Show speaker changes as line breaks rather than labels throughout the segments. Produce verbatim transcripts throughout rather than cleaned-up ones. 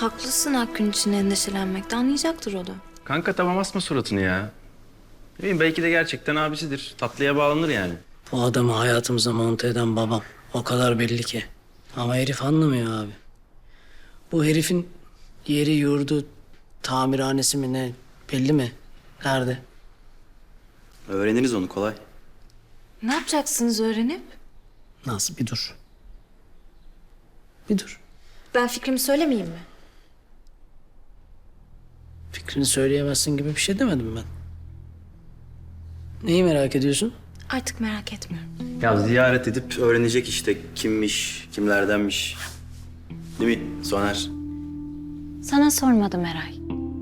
haklısın Akgün için endişelenmekte. Anlayacaktır o da.
Kanka tamam asma suratını ya. Ne bileyim, belki de gerçekten abisidir. Tatlıya bağlanır yani.
Bu adamı hayatımıza monte eden babam. O kadar belli ki. Ama herif anlamıyor abi. Bu herifin yeri, yurdu, tamirhanesi mi ne belli mi? Nerede?
Öğreniriz onu, kolay.
Ne yapacaksınız öğrenip?
Nasıl? Bir dur. Bir dur.
Ben fikrimi söylemeyeyim mi?
Fikrini söyleyemezsin gibi bir şey demedim ben. Neyi merak ediyorsun?
Artık merak etmiyorum.
Ya ziyaret edip öğrenecek işte kimmiş, kimlerdenmiş. Değil mi Soner?
Sana sormadım Eray.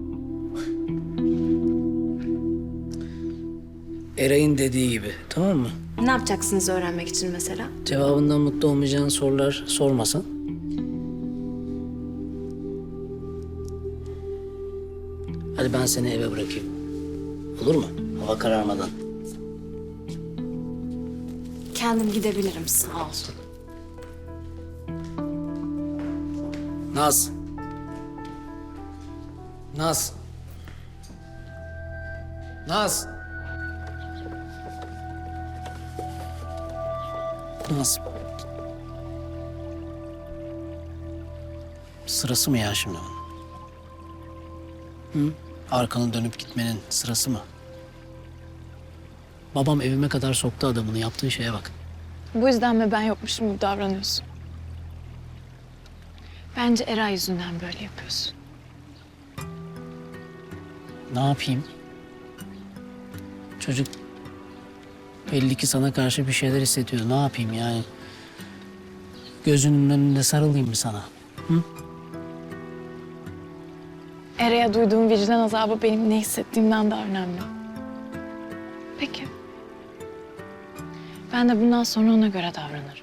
Eray'ın dediği gibi, tamam mı?
Ne yapacaksınız öğrenmek için mesela?
Cevabından mutlu olmayacağın sorular sormasan. Hadi ben seni eve bırakayım. Olur mu? Hava kararmadan.
Kendim gidebilirim, sağ ol.
Naz. Naz. Naz. Naz. Sırası mı ya şimdi bunun? Hı? Arkanı dönüp gitmenin sırası mı? Babam evime kadar soktu adamını. Yaptığı şeye bak.
Bu yüzden mi ben yokmuşum gibi davranıyorsun? Bence Eray yüzünden böyle yapıyorsun.
Ne yapayım? Çocuk belli ki sana karşı bir şeyler hissediyor. Ne yapayım yani? Gözünün önünde sarılayım mı sana? Hı?
Eray'a duyduğum vicdan azabı benim ne hissettiğimden daha önemli. Peki. Ben de bundan sonra ona göre davranırım.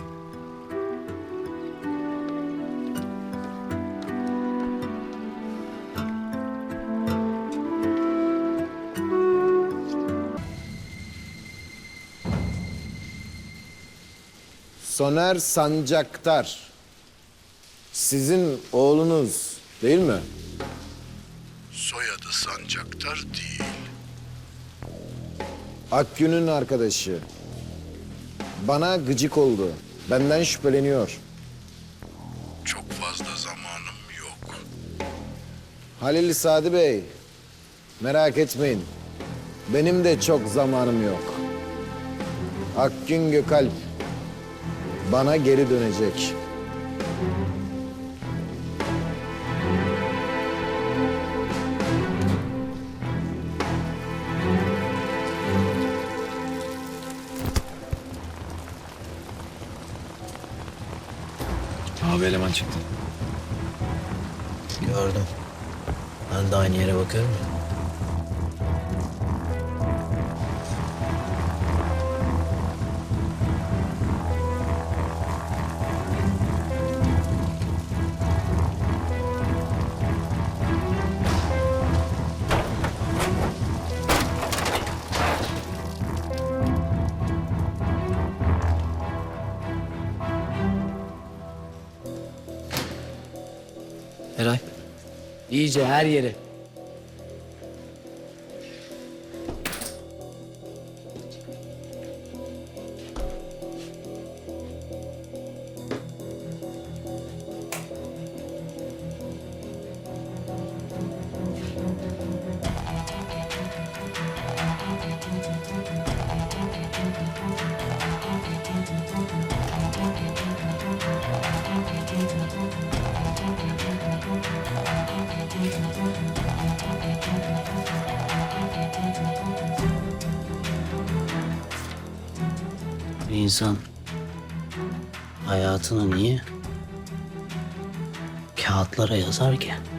Soner Sancaktar. Sizin oğlunuz değil mi?
Soyadı Sancaktar değil.
Akgün'ün arkadaşı. Bana gıcık oldu. Benden şüpheleniyor.
Çok fazla zamanım yok.
Halil Sadi Bey, merak etmeyin. Benim de çok zamanım yok. Akgün Gökalp bana geri dönecek.
Abi eleman çıktı.
Gördüm. Ben de aynı yere bakıyorum ya. Eray. İyice her yere. Bir insan hayatını niye kağıtlara yazar ki?